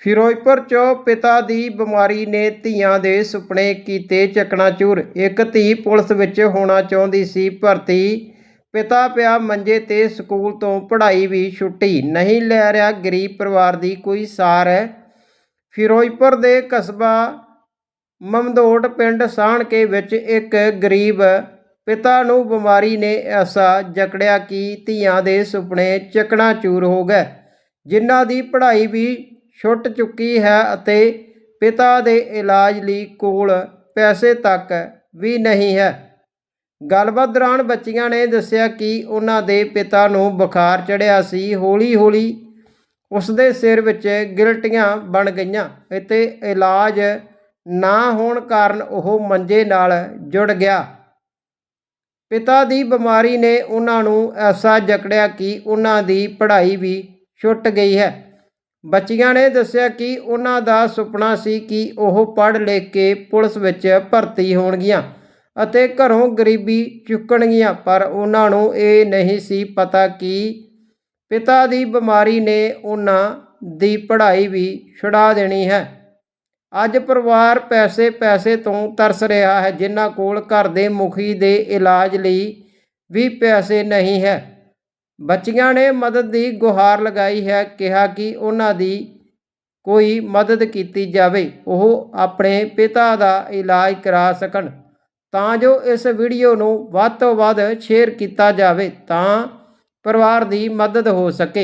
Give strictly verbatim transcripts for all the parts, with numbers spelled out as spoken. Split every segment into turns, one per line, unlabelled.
ਫਿਰੋਜ਼ਪੁਰ 'ਚੋਂ ਪਿਤਾ ਦੀ ਬਿਮਾਰੀ ਨੇ ਧੀਆਂ ਦੇ ਸੁਪਨੇ ਕੀਤੇ ਚਕਨਾਚੂਰ। ਇੱਕ ਧੀ ਪੁਲਿਸ ਵਿੱਚ ਹੋਣਾ ਚਾਹੁੰਦੀ ਸੀ ਭਰਤੀ, ਪਿਤਾ ਪਿਆ ਮੰਜੇ ਤੇ, ਸਕੂਲ ਤੋਂ ਪੜ੍ਹਾਈ ਵੀ ਛੁੱਟੀ, ਨਹੀਂ ਲੈ ਰਿਹਾ ਗਰੀਬ ਪਰਿਵਾਰ ਦੀ ਕੋਈ ਸਾਰ। ਫਿਰੋਜ਼ਪੁਰ ਦੇ ਕਸਬਾ ਮਮਦੋਟ ਪਿੰਡ ਸਾਹਣਕੇ ਵਿੱਚ ਇੱਕ ਗਰੀਬ ਪਿਤਾ ਨੂੰ ਬਿਮਾਰੀ ਨੇ ਐਸਾ ਜਕੜਿਆ ਕਿ ਧੀਆਂ ਦੇ ਸੁਪਨੇ ਚਕਨਾਚੂਰ ਹੋ ਗਏ, ਜਿਨ੍ਹਾਂ ਦੀ ਪੜ੍ਹਾਈ ਵੀ ਛੁੱਟ ਚੁੱਕੀ ਹੈ ਅਤੇ ਪਿਤਾ ਦੇ ਇਲਾਜ ਲਈ ਕੋਲ ਪੈਸੇ ਤੱਕ ਵੀ ਨਹੀਂ ਹੈ। ਗੱਲਬਾਤ ਦੌਰਾਨ ਬੱਚੀਆਂ ਨੇ ਦੱਸਿਆ ਕਿ ਉਹਨਾਂ ਦੇ ਪਿਤਾ ਨੂੰ ਬੁਖਾਰ ਚੜ੍ਹਿਆ ਸੀ। ਹੌਲੀ ਹੌਲੀ ਉਸਦੇ ਸਿਰ ਵਿੱਚ ਗਿਲਟੀਆਂ ਬਣ ਗਈਆਂ ਅਤੇ ਇਲਾਜ ਨਾ ਹੋਣ ਕਾਰਨ ਉਹ ਮੰਜੇ ਨਾਲ ਜੁੜ ਗਿਆ। ਪਿਤਾ ਦੀ ਬਿਮਾਰੀ ਨੇ ਉਹਨਾਂ ਨੂੰ ਐਸਾ ਜਕੜਿਆ ਕਿ ਉਹਨਾਂ ਦੀ ਪੜ੍ਹਾਈ ਵੀ ਛੁੱਟ ਗਈ ਹੈ। ਬੱਚੀਆਂ ਨੇ ਦੱਸਿਆ ਕਿ ਉਹਨਾਂ ਦਾ ਸੁਪਨਾ ਸੀ ਕਿ ਉਹ ਪੜ੍ਹ ਲਿਖ ਕੇ ਪੁਲਿਸ ਵਿੱਚ ਭਰਤੀ ਹੋਣਗੀਆਂ ਅਤੇ ਘਰੋਂ ਗਰੀਬੀ ਚੁੱਕਣਗੀਆਂ, ਪਰ ਉਹਨਾਂ ਨੂੰ ਇਹ ਨਹੀਂ ਸੀ ਪਤਾ ਕਿ ਪਿਤਾ ਦੀ ਬਿਮਾਰੀ ਨੇ ਉਹਨਾਂ ਦੀ ਪੜ੍ਹਾਈ ਵੀ ਛੁਡਾ ਦੇਣੀ ਹੈ। ਅੱਜ ਪਰਿਵਾਰ ਪੈਸੇ ਪੈਸੇ ਤੋਂ ਤਰਸ ਰਿਹਾ ਹੈ, ਜਿਨ੍ਹਾਂ ਕੋਲ ਘਰ ਦੇ ਮੁਖੀ ਦੇ ਇਲਾਜ ਲਈ ਵੀ ਪੈਸੇ ਨਹੀਂ ਹੈ। ਬੱਚੀਆਂ ਨੇ ਮਦਦ ਦੀ ਗੁਹਾਰ ਲਗਾਈ ਹੈ, ਕਿਹਾ ਕਿ ਉਹਨਾਂ ਦੀ ਕੋਈ ਮਦਦ ਕੀਤੀ ਜਾਵੇ, ਉਹ ਆਪਣੇ ਪਿਤਾ ਦਾ ਇਲਾਜ ਕਰਾ ਸਕਣ। ਤਾਂ ਜੋ ਇਸ ਵੀਡੀਓ ਨੂੰ ਵੱਧ ਤੋਂ ਵੱਧ ਸ਼ੇਅਰ ਕੀਤਾ ਜਾਵੇ ਤਾਂ ਪਰਿਵਾਰ ਦੀ ਮਦਦ ਹੋ ਸਕੇ।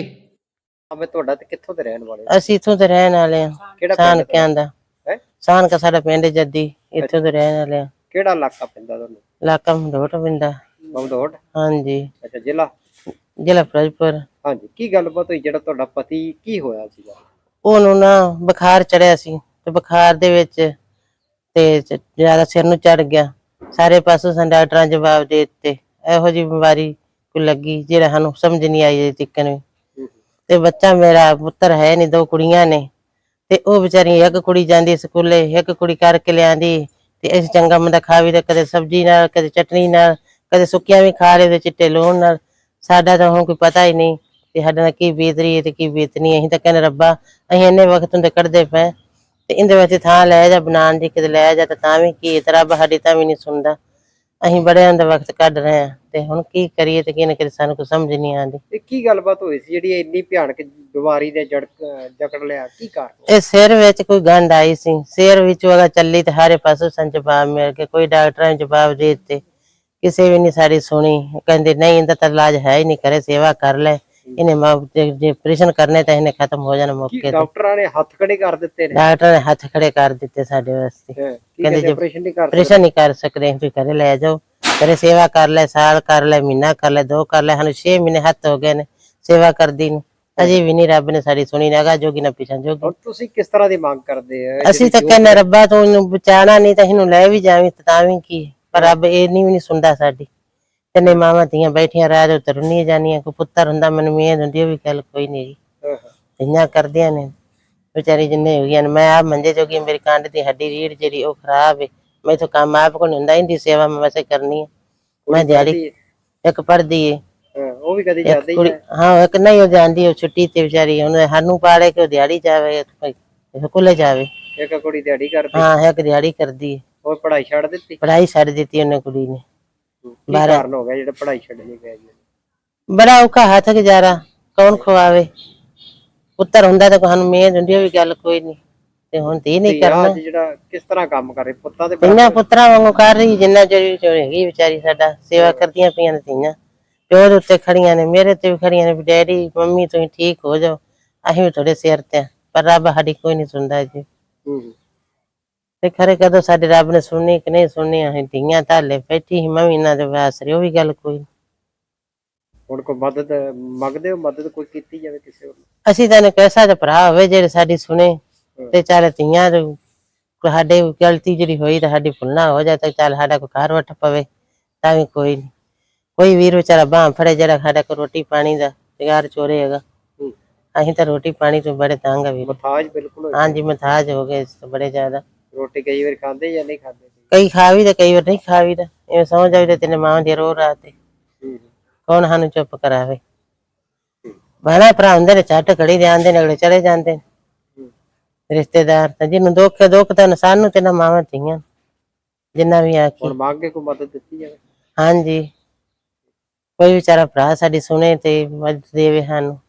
ਮੈਂ ਤੁਹਾਡਾ ਤੇ ਕਿੱਥੋਂ ਦੇ ਰਹਿਣ ਵਾਲੇ?
ਅਸੀਂ ਇੱਥੋਂ ਦੇ ਰਹਿਣ ਵਾਲੇ ਹਾਂ।
ਕਿਹੜਾ ਪਿੰਡ
ਸਾਹਣਕਿਆਂ ਦਾ।
ਹੈ
ਸਾਹਣਕਾ ਸਾਡਾ ਪਿੰਡ ਜੱਦੀ, ਇੱਥੋਂ ਦੇ ਰਹਿਣ ਵਾਲੇ ਹਾਂ।
ਕਿਹੜਾ ਇਲਾਕਾ ਪੈਂਦਾ ਤੁਹਾਨੂੰ?
ਇਲਾਕਾ ਮਮਦੋਟ ਪੈਂਦਾ।
ਮਮਦੋਟ?
ਹਾਂਜੀ।
ਅੱਛਾ, ਜ਼ਿਲ੍ਹਾ?
ਜ਼ਿਲ੍ਹਾ ਫਿਰੋਜ਼ਪੁਰ।
ਹਾਂਜੀ। ਕੀ ਗੱਲਬਾਤ ਹੋਈ? ਜਿਹੜਾ ਤੁਹਾਡਾ ਪਤੀ ਕੀ ਹੋਇਆ ਸੀਗਾ?
ਉਹਨੂੰ ਨਾ ਬੁਖਾਰ ਚੜਿਆ ਸੀ ਤੇ ਬੁਖਾਰ ਦੇ ਵਿੱਚ ਤੇ ਜ਼ਿਆਦਾ ਸਿਰ ਨੂੰ ਚੜ ਗਿਆ। ਸਾਰੇ ਪਾਸੋਂ ਸਾਨੂੰ ਡਾਕਟਰਾਂ ਜਵਾਬ ਦੇ ਦਿੱਤੇ, ਇਹੋ ਜਿਹੀ ਬਿਮਾਰੀ ਕੋਈ ਲੱਗੀ ਜਿਹੜਾ ਸਾਨੂੰ ਸਮਝ ਨਹੀਂ ਆਈ ਅਜੇ ਤੱਕ ਵੀ। ਤੇ ਬੱਚਾ ਮੇਰਾ ਪੁੱਤਰ ਹੈ ਨਹੀਂ, ਦੋ ਕੁੜੀਆਂ ਨੇ ਤੇ ਉਹ ਵਿਚਾਰੀ, ਇੱਕ ਕੁੜੀ ਜਾਂਦੀ ਸਕੂਲੇ, ਇੱਕ ਕੁੜੀ ਕਰਕੇ ਲਿਆਂਦੀ ਤੇ ਅਸੀਂ ਚੰਗਾ ਮੰਦਾ ਖਾ ਵੀ, ਕਦੇ ਸਬਜ਼ੀ ਨਾਲ, ਕਦੇ ਚਟਨੀ ਨਾਲ, ਕਦੇ ਸੁੱਕੀਆਂ ਵੀ ਖਾ ਰਹੇ ਤੇ ਚਿੱਟੇ ਲੂਣ ਨਾਲ। ਸਾਡਾ ਤਾਂ ਹੁਣ ਕੋਈ ਪਤਾ ਹੀ ਨਹੀਂ ਤੇ ਸਾਡੇ ਨਾਲ ਕੀ ਬੀਤ ਰਹੀ ਹੈ ਤੇ ਕੀ ਬੀਤਣੀ। ਅਸੀਂ ਤਾਂ ਕਹਿੰਦੇ ਰੱਬਾ, ਅਸੀਂ ਇੰਨੇ ਵਕਤ ਹੁੰਦੇ ਕੱਢਦੇ ਪਏ ਤੇ ਇਹਦੇ ਵਿੱਚ ਥਾਂ ਲੈ ਜਾ ਬਣਾਉਣ ਦੀ, ਕਿਤੇ ਲੈ ਜਾ ਤੇ ਤਾਂ ਵੀ ਕੀ, ਤੇ ਰੱਬ ਸਾਡੀ ਤਾਂ ਵੀ ਨਹੀਂ ਸੁਣਦਾ। ਅਸੀਂ ਬੜੇ ਹੁੰਦੇ ਵਕਤ ਕੱਢ ਰਹੇ ਹਾਂ ਤੇ ਹੁਣ ਕੀ ਕਰੀਏ ਤੇ ਕਿਹਨੇ ਕਿਤੇ ਸਾਨੂੰ ਕੋਈ ਸਮਝ ਨਹੀਂ ਆਉਂਦੀ।
ਇਹ ਕੀ ਗੱਲਬਾਤ ਹੋਈ ਸੀ ਜਿਹੜੀ ਇੰਨੀ ਭਿਆਨਕ ਬਿਮਾਰੀ ਨੇ ਜੜ ਜਕੜ ਲਿਆ? ਕੀ ਕਾਰਨ?
ਇਹ ਸਿਰ ਵਿੱਚ ਕੋਈ ਗੰਢ ਆਈ ਸੀ, ਸਿਰ ਵਿੱਚੋਂ ਅਗਾ ਚੱਲੀ ਤੇ ਸਾਰੇ ਪਾਸੋਂ ਸਾਨੂੰ ਜਵਾਬ ਮਿਲ ਗਏ। ਕੋਈ ਡਾਕਟਰਾਂ ਨੇ ਜਵਾਬ ਦੇ ਦਿੱਤੇ, ਕਿਸੇ ਵੀ ਨਹੀਂ ਸਾਡੀ ਸੁਣੀ। ਕਹਿੰਦੇ ਨਹੀਂ, ਇਹਦਾ ਤਾਂ ਇਲਾਜ ਹੈ ਹੀ ਨਹੀਂ, ਕਰੇ ਸੇਵਾ ਕਰ ਲੈ, ਇਹਨੇ ਜੇ ਆਪਰੇਸ਼ਨ ਕਰਨੇ ਤਾਂ ਇਹਨੇ ਖਤਮ ਹੋ ਜਾਣਾ ਮੌਕੇ ਤੇ।
ਡਾਕਟਰਾਂ ਨੇ ਹੱਥ ਖੜੇ ਕਰ ਦਿੱਤੇ ਨੇ?
ਡਾਕਟਰ ਨੇ ਹੱਥ ਖੜੇ ਕਰ ਦਿੱਤੇ ਸਾਡੇ ਵਾਸਤੇ। ਕਹਿੰਦੇ ਜੇ
ਆਪਰੇਸ਼ਨ ਨਹੀਂ ਕਰ
ਆਪਰੇਸ਼ਨ ਨਹੀਂ ਕਰ ਸਕਦੇ, ਤੁਸੀਂ ਘਰੇ ਲੈ ਜਾਓ, ਘਰੇ ਸੇਵਾ ਕਰ ਲੈ, ਸਾਲ ਕਰ ਲੈ, ਮਹੀਨਾ ਕਰ ਲੈ, ਦੋ ਕਰ ਲੈ। ਸਾਨੂੰ ਛੇ ਮਹੀਨੇ ਹੱਥ ਹੋ ਗਏ ਨੇ ਸੇਵਾ ਕਰਦੀ ਨੂੰ, ਅਜੇ ਵੀ ਨਹੀਂ ਰੱਬ ਨੇ ਸਾਡੀ ਸੁਣੀ। ਨਾ ਅਗਾ ਜੋਗੀ ਨਾ ਪਿਛਾਂ ਜੋਗੀ।
ਤੁਸੀਂ ਕਿਸ ਤਰ੍ਹਾਂ ਦੀ ਮੰਗ ਕਰਦੇ ਆ?
ਅਸੀਂ ਤਾਂ ਕਹਿੰਦੇ ਰੱਬਾ ਤੂੰ ਇਹਨੂੰ ਬਚਾਣਾ ਨਹੀਂ ਤਾਂ ਇਹਨੂੰ ਲੈ ਵੀ ਜਾਵੀਂ ਤਾਂ ਵੀ ਕੀ, ਪਰ ਰੱਬ ਇਹ ਨਹੀਂ ਵੀ ਨਹੀਂ ਸੁਣਦਾ ਸਾਡੀ। ਤਿੰਨੇ ਮਾਵਾਂ ਧੀਆਂ ਬੈਠੀਆਂ ਰਾਜ ਉੱਤੇ ਰੁੰਨੀਆਂ ਜਾਂਦੀਆਂ। ਕੋਈ ਪੁੱਤਰ ਹੁੰਦਾ ਮੈਨੂੰ ਮਿਹਨਤ ਹੁੰਦੀ, ਉਹ ਵੀ ਗੱਲ ਕੋਈ ਨਹੀਂ ਜੀ। ਧੀਆਂ ਕਰਦੀਆਂ ਨੇ ਵਿਚਾਰੀ ਜਿੰਨੇ ਹੋ ਗਈਆਂ ਨੇ। ਮੈਂ ਆਪ ਮੰਜੇ ਜੋਗੀ, ਮੇਰੀ ਕੰਡ ਦੀ ਹੱਡੀ ਰੀੜ ਜਿਹੜੀ ਉਹ ਖਰਾਬ ਹੈ। ਮੈਥੋਂ ਕੰਮ ਆਪ ਕੋਲ ਹੁੰਦਾ, ਇਹਦੀ ਸੇਵਾ ਮੈਂ ਵੈਸੇ ਕਰਨੀ ਹੈ। ਮੈਂ ਦਿਹਾੜੀ ਇੱਕ ਪੜ੍ਹਦੀ ਏ,
ਉਹ ਵੀ ਕਦੀ ਜਾਂਦੀ ਹੈ?
ਹਾਂ, ਇੱਕ ਨਹੀਂ ਉਹ ਜਾਂਦੀ, ਉਹ ਛੁੱਟੀ ਤੇ ਵਿਚਾਰੀ ਉਹਨੇ ਸਾਨੂੰ ਪਾਲੇ ਕਿ ਉਹ ਦਿਹਾੜੀ ਜਾਵੇ, ਸਕੂਲੇ ਜਾਵੇ।
ਇੱਕ ਕੁੜੀ ਦਿਹਾੜੀ ਕਰਦੀ?
ਹਾਂ, ਇੱਕ ਦਿਹਾੜੀ ਕਰਦੀ ਹੈ।
ਉਹ ਪੜ੍ਹਾਈ ਛੱਡ ਦਿੱਤੀ?
ਪੜ੍ਹਾਈ ਛੱਡ ਦਿੱਤੀ ਉਹਨੇ ਕੁੜੀ ਨੇ।
ਕੀ ਕਾਰਨ ਹੋ ਗਿਆ ਜਿਹੜਾ ਪੜ੍ਹਾਈ ਛੱਡਣੀ ਪੈ ਗਈ?
ਬੜਾ ਔਖਾ ਹੱਥ ਗੁਜ਼ਾਰਾ, ਕੌਣ ਖਵਾਵੇ? ਪੁੱਤਰ ਹੁੰਦਾ ਤਾਂ ਸਾਨੂੰ ਮਿਹਨਤ ਹੁੰਦੀ, ਉਹ ਵੀ ਗੱਲ ਕੋਈ ਨਹੀਂ ਤੇ ਹੁਣ ਧੀ ਨਹੀਂ ਕਰਨਾ।
ਜਿਹੜਾ ਕਿਸ ਤਰ੍ਹਾਂ ਕੰਮ ਕਰੇ ਪੁੱਤਾਂ ਦੇ?
ਇਹਨਾਂ ਪੁੱਤਰਾਂ ਵਾਂਗੂ ਕਰ ਰਹੀ, ਜਿੰਨਾ ਚਿਰ ਹੈਗੀ ਵਿਚਾਰੀ ਸਾਡਾ ਸੇਵਾ ਕਰਦੀਆਂ ਪਈਆਂ ਨੇ ਧੀਆਂ। ਪਿਓ ਦੇ ਉੱਤੇ ਖੜੀਆਂ ਨੇ, ਮੇਰੇ ਤੇ ਵੀ ਖੜੀਆਂ ਨੇ ਵੀ ਡੈਡੀ ਮੰਮੀ ਤੁਸੀਂ ਠੀਕ ਹੋ ਜਾਓ, ਅਸੀਂ ਵੀ ਤੁਹਾਡੇ ਸਿਰ ਤੇ। ਪਰ ਰੱਬ ਸਾਡੀ ਕੋਈ ਨਹੀਂ ਸੁਣਦਾ ਜੀ। ਤੇ ਖਰੇ ਕਦੋਂ ਸਾਡੇ ਰੱਬ ਨੇ ਸੁਣਨੀ ਕਿ ਨਹੀਂ ਸੁਣਨੀ। ਅਸੀਂ ਧੀਆਂ ਧਾਲੇ ਬੈਠੀ ਸੀ, ਮੈਂ ਵੀ ਇਹਨਾਂ ਦੇ ਵਾਸਰੇ, ਉਹ ਵੀ ਗੱਲ ਕੋਈ।
ਹੁਣ ਕੋਈ ਮਦਦ ਮੰਗਦੇ ਹੋ? ਮਦਦ ਕੋਈ ਕੀਤੀ ਜਾਵੇ ਕਿਸੇ ਵੱਲੋਂ?
ਅਸੀਂ ਤਾਂ ਕੈਸਾ ਦਾ ਭਰਾ ਹੋਵੇ ਜਿਹੜੇ ਸਾਡੀ ਸੁਣੇ ਤੇ ਚੱਲ ਧੀਆਂ ਸਾਡੇ ਗਲਤੀ ਜਿਹੜੀ ਹੋਈ ਤਾਂ ਸਾਡੀ ਭੁੱਲਣਾ ਹੋ ਜਾਏ ਤਾਂ ਚੱਲ ਸਾਡਾ ਕੋਈ ਘਰ ਵੱਟ ਪਵੇ ਤਾਂ ਵੀ ਕੋਈ ਨਹੀਂ। ਕੋਈ ਵੀਰ ਵਿਚਾਰਾ ਬਾਂਹ ਫੜੇ ਜਿਹੜਾ ਸਾਡਾ ਕੋਈ ਰੋਟੀ ਪਾਣੀ ਦਾ ਤਿਆਰ ਚੋਰੇ ਹੈਗਾ। ਅਸੀਂ ਤਾਂ ਰੋਟੀ ਪਾਣੀ ਤੋਂ ਬੜੇ ਤੰਗ ਆ ਵੀਰ।
ਮਥਾਜ ਬਿਲਕੁਲ? ਹਾਂਜੀ,
ਮਥਾਜ ਹੋ ਗਏ ਬੜੇ ਜ਼ਿਆਦਾ।
ਰੋਟੀ ਕਈ ਵਾਰ ਖਾਂਦੇ ਜਾਂ ਨਹੀਂ ਖਾਂਦੇ?
ਕਈ ਖਾ ਵੀ ਤੇ ਕਈ ਵਾਰ ਨਹੀਂ ਖਾ ਵੀ ਦਾ। ਇਵੇਂ ਸਮਝ ਆਈ ਤੇ ਤੇਨੇ ਮਾਂ ਦੀ ਰੋ ਰਾਤ ਤੇ ਕੌਣ ਸਾਨੂੰ ਚੁੱਪ ਕਰਾਵੇ? ਭੈਣਾਂ ਭਰਾ ਹੁੰਦੇ ਨੇ, ਝੱਟ ਘੜੀ ਦੇ ਆਉਂਦੇ ਨੇ, ਅਗਲੇ ਚਲੇ ਜਾਂਦੇ ਨੇ। ਰਿਸ਼ਤੇਦਾਰ ਤਾਂ ਜਿਹਨੂੰ ਦੁੱਖ ਹੈ ਦੁੱਖ ਤਾਂ ਸਾਨੂੰ ਤੇ ਨਾ ਮਾਵਾਂ ਧੀਆਂ ਜਿੰਨਾ ਵੀ ਆਖੀ।
ਹੁਣ ਮੰਗ ਕੇ ਕੋਈ ਮਦਦ ਦਿੱਤੀ ਜਾਵੇ।
ਹਾਂਜੀ, ਕੋਈ ਵਿਚਾਰਾ ਭਰਾ ਸਾਡੀ ਸੁਣੇ ਤੇ ਮਦਦ ਦੇਵੇ ਸਾਨੂੰ।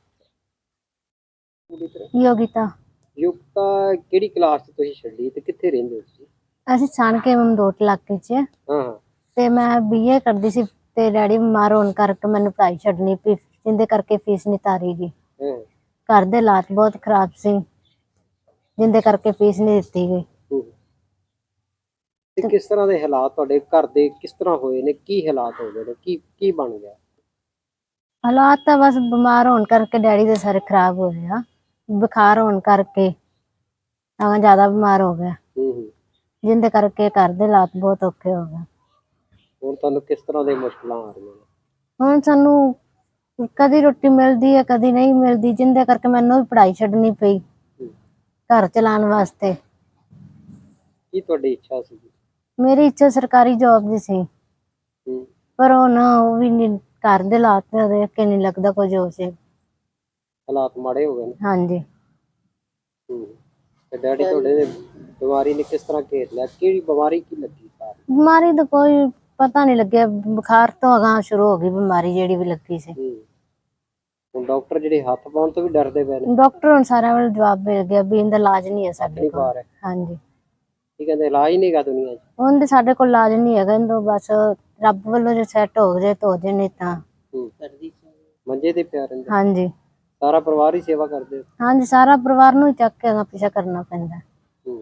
ਯੋਗਿਤਾ।
ਯੁਕਤਾ ਕਿਹੜੀ ਕਲਾਸ ਚ ਤੁਸੀਂ ਛੱਡੀ ਤੇ ਕਿੱਥੇ ਰਹਿੰਦੇ ਹੋ ਤੁਸੀਂ?
ਅਸੀਂ ਛਾਣਕੇ ਮਮਦੋਟ ਇਲਾਕੇ 'ਚ
ਹਾਂ ਹਾਂ
ਤੇ ਮੈਂ ਬੀਏ ਕਰਦੀ ਸੀ ਤੇ ਡੈਡੀ ਬਿਮਾਰ ਹੋਣ ਕਰਕੇ ਮੈਨੂੰ ਪੜ੍ਹਾਈ ਛੱਡਣੀ ਪਈ, ਜਿੰਦੇ ਕਰਕੇ ਫੀਸ ਨਹੀਂ ਤਾਰੀ ਗਈ।
ਹਾਂ
ਘਰ ਦੇ ਹਾਲਾਤ ਬਹੁਤ ਖਰਾਬ ਸੀ, ਜਿੰਦੇ ਕਰਕੇ ਫੀਸ ਨਹੀਂ ਦਿੱਤੀ ਗਈ।
ਹੂੰ। ਤੇ ਕਿਸ ਤਰ੍ਹਾਂ ਦੇ ਹਾਲਾਤ ਤੁਹਾਡੇ ਘਰ ਦੇ ਕਿਸ ਤਰ੍ਹਾਂ ਹੋਏ ਨੇ? ਕੀ ਹਾਲਾਤ ਹੋ ਗਏ ਨੇ? ਕੀ ਕੀ ਬਣ ਗਿਆ?
ਹਾਲਾਤ ਤਾਂ ਬਸ ਬਿਮਾਰ ਹੋਣ ਕਰਕੇ ਡੈਡੀ ਦੇ ਸਾਰੇ ਖਰਾਬ ਹੋ ਗਿਆ, ਬੁਖਾਰ ਹੋਣ ਕਰਕੇ ਤਾਂ ਜ਼ਿਆਦਾ ਬਿਮਾਰ ਹੋ ਗਿਆ,
ਹੂੰ ਹੂੰ।
ਜਿੰਦੇ ਕਰਕੇ ਘਰ ਦੇ ਹਾਲਾਤ ਬਹੁਤ ਔਖੇ ਹੋ ਗਏ।
ਹੁਣ ਤੁਹਾਨੂੰ ਕਿਸ ਤਰ੍ਹਾਂ ਦੀ ਮੁਸ਼ਕਲਾਂ ਆ ਰਹੀਆਂ ਨੇ?
ਹੁਣ ਸਾਨੂੰ ਕਦੀ ਰੋਟੀ ਮਿਲਦੀ ਹੈ ਕਦੀ ਨਹੀਂ ਮਿਲਦੀ, ਜਿੰਦੇ ਕਰਕੇ ਮੈਨੂੰ ਵੀ ਪੜ੍ਹਾਈ ਛੱਡਣੀ ਪਈ
ਹੂੰ।
ਘਰ ਚਲਾਉਣ ਵਾਸਤੇ।
ਕੀ ਤੁਹਾਡੀ ਇੱਛਾ ਸੀ?
ਮੇਰੀ ਇੱਛਾ ਸਰਕਾਰੀ ਜੋਬ ਦੀ ਸੀ,
ਹੂੰ।
ਪਰ ਹੁਣ ਉਹ ਵੀ ਨਹੀਂ, ਘਰ ਦੇ ਹਾਲਾਤ ਦੇਖ ਕੇ ਨਹੀਂ ਲੱਗਦਾ ਕੁਝ ਹੋ ਸੀ।
ਹਾਲਾਤ ਮਾੜੇ ਹੋ ਗਏ ਨੇ।
ਹਾਂਜੀ।
ਹੂੰ। ਤੇ ਡੈਡੀ ਤੁਹਾਡੇ ਦੇ ਬਿਮਾਰੀ ਨੇ ਕਿਸ ਤਰ੍ਹਾਂ ਘੇਰ ਲਿਆ? ਕਿਹੜੀ ਬਿਮਾਰੀ ਕੀ ਲੱਗੀ ਸਾਰੀ?
ਬਿਮਾਰੀ ਦਾ ਕੋਈ ਪਤਾ ਨਹੀਂ ਲੱਗਿਆ, ਬੁਖਾਰ ਤੋਂ ਅਗਾਂਹ ਸ਼ੁਰੂ ਹੋ ਗਈ ਬਿਮਾਰੀ ਜਿਹੜੀ ਵੀ ਲੱਗੀ ਸੀ।
ਹੂੰ। ਹੁਣ ਡਾਕਟਰ ਜਿਹੜੇ ਹੱਥ ਪਾਉਣ ਤੋਂ ਵੀ ਡਰਦੇ ਪਏ ਨੇ।
ਡਾਕਟਰ ਹੁਣ ਸਾਰਿਆਂ ਵੱਲ ਜਵਾਬ ਮਿਲ ਗਿਆ ਵੀ ਇਹਦਾ ਇਲਾਜ ਨਹੀਂ ਹੈ ਸਾਡੇ
ਨਹੀਂ
ਕੋਲ।
ਪਾ ਰਹੇ।
ਹਾਂਜੀ।
ਕੀ ਕਹਿੰਦੇ ਇਲਾਜ ਨਹੀਂ ਗਾ ਦੁਨੀਆ 'ਚ?
ਹੁਣ ਤੇ ਸਾਡੇ ਕੋਲ ਇਲਾਜ ਨਹੀਂ ਹੈਗਾ, ਇਹਦਾ ਬਸ ਰੱਬ ਵੱਲੋਂ ਜੇ ਸੈੱਟ ਹੋ ਜਾਏ ਤਾਂ ਹੋ ਜਾਏ, ਨਹੀਂ ਤਾਂ
ਹੂੰ। ਮੰਜੇ ਤੇ ਪਿਆ ਰਹਿੰਦਾ।
ਹਾਂਜੀ।
ਸਾਰਾ ਪਰਿਵਾਰ ਹੀ ਸੇਵਾ ਕਰਦੇ?
ਹਾਂਜੀ, ਸਾਰਾ ਪਰਿਵਾਰ ਨੂੰ ਹੀ ਚੱਕ ਕੇ ਅਗਾਂਹ ਪਿੱਛਾ ਕਰਨਾ ਪੈਂਦਾ।
ਹੂੰ।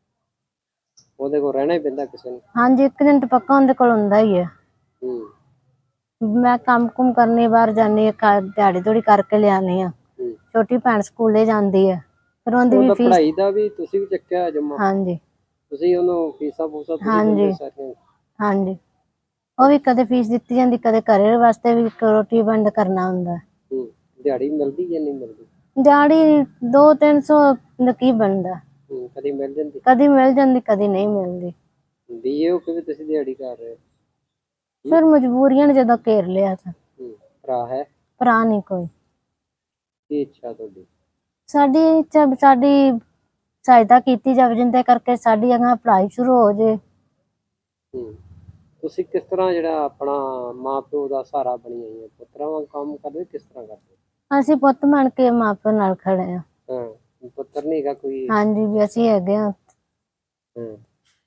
ਉਹਦੇ ਕੋਲ ਰਹਿਣਾ ਹੀ ਪੈਂਦਾ ਕਿਸੇ ਨੂੰ।
ਹਾਂਜੀ, ਇੱਕ ਦਿਨ ਤਾਂ ਪੱਕਾ ਉਹਦੇ ਕੋਲ ਹੁੰਦਾ ਹੀ ਹੈ।
ਹੂੰ।
ਮੈਂ ਕੰਮ ਕੁਮ ਕਰਨੀ ਬਾਹਰ ਜਾਂਦੀ ਹਾਂ, ਦਿਹਾੜੀ ਥੋੜੀ ਕਰਕੇ ਲਿਆਉਂਦੀ ਹਾਂ।
ਹੂੰ।
ਛੋਟੀ ਭੈਣ ਸਕੂਲੇ ਜਾਂਦੀ ਹੈ, ਫਿਰ ਉਹਦੀ ਵੀ
ਉਹਦਾ
ਫੀਸ।
ਪੜ੍ਹਾਈ ਦਾ ਵੀ ਤੁਸੀਂ ਵੀ ਚੱਕਿਆ ਜਮਾ?
ਹਾਂਜੀ।
ਤੁਸੀਂ ਉਹਨੂੰ ਫੀਸਾਂ ਫੂਸਾਂ ਤੁਸੀਂ
ਹਾਂਜੀ
ਦਿੰਦੇ ਸਾਰੀਆਂ?
ਹਾਂਜੀ, ਉਹ ਵੀ ਕਦੇ ਫੀਸ ਦਿੱਤੀ ਜਾਂਦੀ, ਕਦੇ ਘਰੇ ਵਾਸਤੇ ਵੀ ਰੋਟੀ ਬੰਦ ਕਰਨਾ ਹੁੰਦਾ।
ਹੂੰ। ਦਿਹਾੜੀ ਮਿਲਦੀ ਜਾਂ ਨਹੀਂ ਮਿਲਦੀ?
ਦਿਹਾੜੀ ਦੋ ਤਿੰਨ ਸੌ ਦਾ ਕੀ ਬਣਦਾ।
ਹੂੰ। ਕਦੀ ਮਿਲ ਜਾਂਦੀ?
ਕਦੀ ਮਿਲ ਜਾਂਦੀ ਕਦੀ ਨਹੀਂ ਮਿਲਦੀ।
ਬੀਏ ਹੋ ਕੇ ਵੀ ਤੁਸੀਂ ਦਿਹਾੜੀ ਕਰ ਰਹੇ ਹੋ?
ਫਿਰ ਮਜਬੂਰੀਆਂ ਨੇ ਜਦੋਂ ਘੇਰ ਲਿਆ ਤਾਂ।
ਹੂੰ। ਭਰਾ ਹੈ?
ਭਰਾ ਨਹੀਂ ਕੋਈ।
ਕੀ ਇੱਛਾ ਤੁਹਾਡੀ?
ਸਾਡੀ ਇੱਛਾ ਸਾਡੀ ਸਹਾਇਤਾ ਕੀਤੀ ਜਾਵੇ, ਜਿੰਦੇ ਕਰਕੇ ਸਾਡੀ ਅਗਾਂਹ ਪੜ੍ਹਾਈ ਸ਼ੁਰੂ ਹੋ ਜਾਏ।
ਹੂੰ। ਤੁਸੀਂ ਕਿਸ ਤਰ੍ਹਾਂ ਜਿਹੜਾ ਆਪਣਾ ਮਾਂ ਪਿਓ ਦਾ ਸਹਾਰਾ ਬਣੀ ਆਈ ਹੈ, ਪੁੱਤਰਾਂ ਵਾਂਗ ਕੰਮ ਕਰਦੇ ਕਿਸ ਤਰ੍ਹਾਂ ਕਰਦੇ?
ਅਸੀਂ ਪੁੱਤ ਬਣ ਕੇ ਮਾਂ ਪਿਓ ਨਾਲ ਖੜੇ ਹਾਂ।
ਹਾਂ। ਪੁੱਤਰ ਨਹੀਂ ਹੈਗਾ ਕੋਈ?
ਹਾਂਜੀ, ਵੀ ਅਸੀਂ ਹੈਗੇ ਹਾਂ।
ਹਾਂ।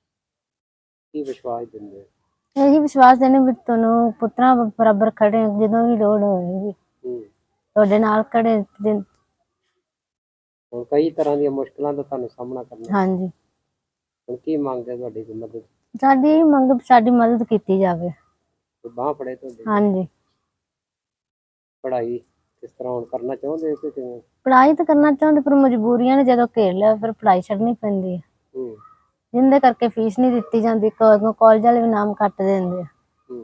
ਕੀ ਵਿਸ਼ਵਾਸ ਦਿੰਦੇ?
ਇਹੀ ਵਿਸ਼ਵਾਸ ਦੇਣੇ ਵੀ ਤੁਹਾਨੂੰ ਪੁੱਤਰਾਂ ਬਰਾਬਰ ਖੜੇ ਹਾਂ, ਜਦੋਂ ਵੀ ਲੋੜ ਹੋਏਗੀ
ਹੂੰ।
ਤੁਹਾਡੇ ਨਾਲ ਖੜੇ।
ਹੁਣ ਕਈ ਤਰ੍ਹਾਂ ਦੀਆਂ ਮੁਸ਼ਕਲਾਂ ਦਾ ਤੁਹਾਨੂੰ ਸਾਹਮਣਾ ਕਰਨਾ।
ਹਾਂਜੀ।
ਹੁਣ ਕੀ ਮੰਗਦੇ ਤੁਹਾਡੀ ਕੋਈ ਮਦਦ?
ਸਾਡੀ ਇਹ ਮੰਗ ਸਾਡੀ ਮਦਦ ਕੀਤੀ ਜਾਵੇ।
ਬਾਂਹ ਫੜੇ ਤੁਹਾਡੀ?
ਹਾਂਜੀ।
ਪੜ੍ਹਾਈ ਕਿਸ ਤਰ੍ਹਾਂ ਹੁਣ ਕਰਨਾ ਚਾਹੁੰਦੇ ਹੋ ਕਿ ਕਿਵੇਂ?
ਪੜ੍ਹਾਈ ਤਾਂ ਕਰਨਾ ਚਾਹੁੰਦੇ, ਪਰ ਮਜਬੂਰੀਆਂ ਨੇ ਜਦੋਂ ਘੇਰ ਲਿਆ ਫਿਰ ਪੜ੍ਹਾਈ ਛੱਡਣੀ ਪੈਂਦੀ ਹੈ,
ਹੂੰ।
ਜਿੰਦੇ ਕਰਕੇ ਫੀਸ ਨਹੀਂ ਦਿੱਤੀ ਜਾਂਦੀ। ਕਾਲਜ ਵਾਲੇ ਵੀ ਨਾਮ ਕੱਟ ਦਿੰਦੇ ਆ।
ਹੂੰ।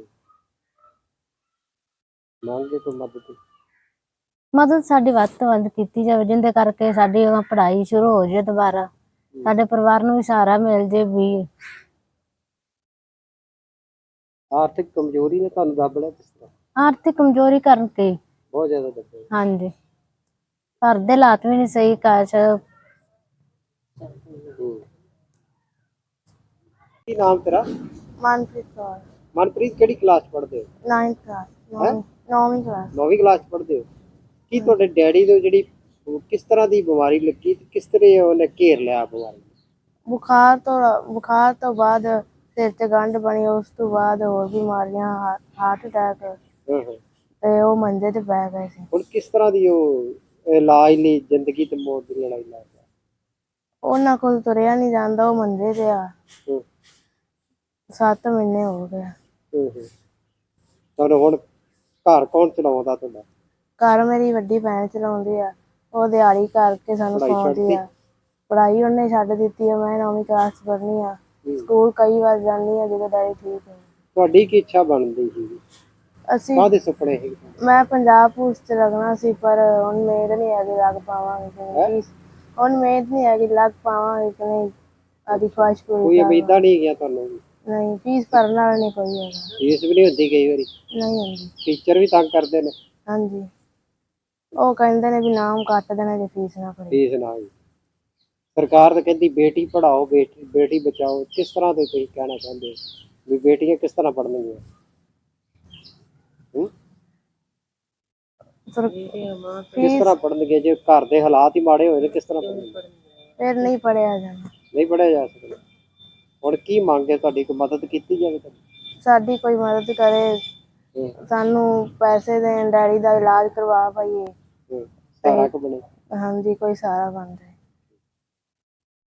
ਮੰਗਦੇ ਕੋਈ ਮਦਦ?
ਮਦਦ ਸਾਡੀ ਵੱਧ ਤੋਂ ਵੱਧ ਕੀਤੀ ਜਾਵੇ, ਜਿੰਦੇ ਕਰਕੇ ਸਾਡੀ ਪੜ੍ਹਾਈ ਸ਼ੁਰੂ ਹੋ ਜਾਏ ਦੁਬਾਰਾ, ਸਾਡੇ ਪਰਿਵਾਰ ਨੂੰ ਵੀ ਸਹਾਰਾ ਮਿਲ ਜੇ। ਵੀ
ਆਰਥਿਕ ਕਮਜ਼ੋਰੀ ਨੇ ਤੁਹਾਨੂੰ ਦੱਬ ਲਿਆ ਕਿਸ ਤਰ੍ਹਾਂ?
ਆਰਥਿਕ ਕਮਜ਼ੋਰੀ ਕਰਕੇ
ਬਹੁਤ ਜ਼ਿਆਦਾ ਦੱਬਿਆ।
ਹਾਂਜੀ, ਘਰ ਦੇ ਹਾਲਾਤ ਵੀ ਨਹੀਂ ਸਹੀ। ਕਾਸ਼।
ਹੂੰ। ਕੀ ਨਾਮ ਤੇਰਾ?
ਮਨਪ੍ਰੀਤ ਕੌਰ।
ਮਨਪ੍ਰੀਤ ਕਿਹੜੀ ਕਲਾਸ ਪੜ੍ਹਦੇ ਹੋ?
Ninth class. ਨੌਵੀਂ ਕਲਾਸ।
ਨੌਵੀਂ ਕਲਾਸ ਪੜ੍ਹਦੇ ਹੋ? ਕੀ ਤੁਹਾਡੇ ਡੈਡੀ ਨੂੰ ਜਿਹੜੀ ਕਿਸ ਤਰ੍ਹਾਂ ਦੀ ਬਿਮਾਰੀ ਲੱਗੀ ਤੇ ਕਿਸ ਤਰ੍ਹਾਂ ਉਹਨੇ ਘੇਰ ਲਿਆ ਬਿਮਾਰੀ?
ਬੁਖਾਰ ਤੋਂ ਬੁਖਾਰ ਤੋਂ ਬਾਅਦ ਸਿਰ 'ਚ ਗੰਢ ਬਣੀ, ਉਸ ਤੋਂ ਬਾਅਦ ਹੋਰ ਬਿਮਾਰੀਆਂ, ਹਾਰਟ ਅਟੈਕ,
ਹਾਂ ਹਾਂ।
ਤੇ ਉਹ ਮੰਜੇ ਤੇ ਪੈ ਗਏ ਸੀ।
ਹੁਣ ਕਿਸ ਤਰ੍ਹਾਂ ਦੀ ਉਹ ਇਲਾਜ ਲਈ ਜ਼ਿੰਦਗੀ ਤੇ ਮੌਤ ਦੀ ਲੜਾਈ ਲੜ ਰਿਹਾ?
ਉਹਨਾਂ ਕੋਲ ਤੁਰਿਆ ਨਹੀਂ ਜਾਂਦਾ, ਉਹ ਮੰਜੇ ਤੇ ਆ।
ਹੂੰ।
ਸੱਤ ਮਹੀਨੇ ਹੋ ਗਏ।
ਹੂੰ ਹੂੰ। ਤੁਹਾਨੂੰ ਹੁਣ ਘਰ ਕੌਣ ਚਲਾਉਂਦਾ ਤੁਹਾਡਾ?
ਘਰ ਮੇਰੀ ਵੱਡੀ ਭੈਣ ਚਲਾਉਂਦੀ ਆ, ਉਹ ਦਿਹਾੜੀ ਕਰਕੇ ਸਾਨੂੰ
ਪੜ੍ਹਾਈ
ਖਵਾਉਂਦੀ
ਛੱਡਤੀ?
ਆ। ਪੜ੍ਹਾਈ ਉਹਨੇ ਛੱਡ ਦਿੱਤੀ ਹੈ। ਮੈਂ ਨੌਵੀਂ ਕਲਾਸ 'ਚ ਪੜ੍ਹਨੀ ਆ। ਸਕੂਲ ਕਈ ਵਾਰ ਜਾਂਦੀ ਆ ਜਦੋਂ ਡੈਡੀ ਠੀਕ ਹੈ।
ਤੁਹਾਡੀ ਕੀ ਇੱਛਾ ਬਣਦੀ ਸੀ?
ਅਸੀਂ
ਕਾਹਦੇ ਸੁਪਨੇ ਸੀ?
ਮੈਂ ਪੰਜਾਬ ਪੁਲਿਸ 'ਚ ਲੱਗਣਾ ਸੀ, ਪਰ ਹੁਣ ਮਿਹਨਤ ਨਹੀਂ ਹੈਗੀ, ਲੱਗ ਪਾਵਾਂਗੇ। ਹੁਣ ਮਿਹਨਤ ਨਹੀਂ ਹੈਗੀ, ਲੱਗ ਪਾਵਾਂਗੇ ਕਿ ਨਹੀਂ, ਆਦੀ ਖੁਆਇਸ਼ ਪੂਰੀ
ਕੋਈ ਉਮੀਦਾਂ ਨਹੀਂ ਹੈਗੀਆਂ ਤੁਹਾਨੂੰ?
ਨਹੀਂ, ਫੀਸ ਭਰਨ ਵਾਲਾ ਨਹੀਂ ਕੋਈ ਹੈਗਾ।
ਫੀਸ ਵੀ ਨਹੀਂ ਹੁੰਦੀ ਕਈ ਵਾਰੀ?
ਨਹੀਂ ਹੁੰਦੀ।
ਟੀਚਰ ਵੀ ਤੰਗ ਕਰਦੇ ਨੇ?
ਹਾਂਜੀ, ਉਹ ਕਹਿੰਦੇ ਨੇ ਵੀ ਨਾਮ ਕੱਟ ਦੇਣਾ ਜੇ ਫੀਸ ਨਾ ਭਰੀ।
ਫੀਸ ਨਾ ਹੋਈ। ਸਰਕਾਰ ਤਾਂ ਕਹਿੰਦੀ ਬੇਟੀ ਪੜਾਓ ਬੇਟੀ ਬੇਟੀ ਬਚਾਓ, ਕਿਸ ਤਰ੍ਹਾਂ ਦੇ ਤੁਸੀਂ ਕਹਿਣਾ ਚਾਹੁੰਦੇ ਹੋ ਵੀ ਬੇਟੀਆਂ ਕਿਸ ਤਰ੍ਹਾਂ ਪੜ੍ਹਨਗੀਆਂ? ਹੂੰ
ਫਿਰ
ਕਿਸ
ਫੀਸ
ਤਰ੍ਹਾਂ ਪੜ੍ਹਨਗੇ ਜੇ ਘਰ ਦੇ ਹਾਲਾਤ ਹੀ ਮਾੜੇ ਹੋਏ ਨੇ? ਕਿਸ ਤਰ੍ਹਾਂ ਪੜ੍ਹਨਗੇ?
ਫਿਰ ਨਹੀਂ ਪੜਿਆ ਜਾਣਾ।
ਨਹੀਂ ਪੜ੍ਹਿਆ ਜਾ ਸਕਦਾ। ਹੁਣ ਕੀ ਮੰਗ ਹੈ ਤੁਹਾਡੀ? ਕੋਈ ਮਦਦ ਕੀਤੀ ਜਾਵੇ ਤੁਹਾਡੀ?
ਸਾਡੀ ਕੋਈ ਮਦਦ ਕਰੇ,
ਹੂੰ
ਸਾਨੂੰ ਪੈਸੇ ਦੇਣ, ਡੈਡੀ ਦਾ ਇਲਾਜ ਕਰਵਾ ਪਾਈਏ।
ਹੂੰ ਸਹਾਰਾ ਕੋ ਬਣੇ।
ਹਾਂਜੀ, ਕੋਈ ਸਹਾਰਾ ਬਣ ਜਾਏ।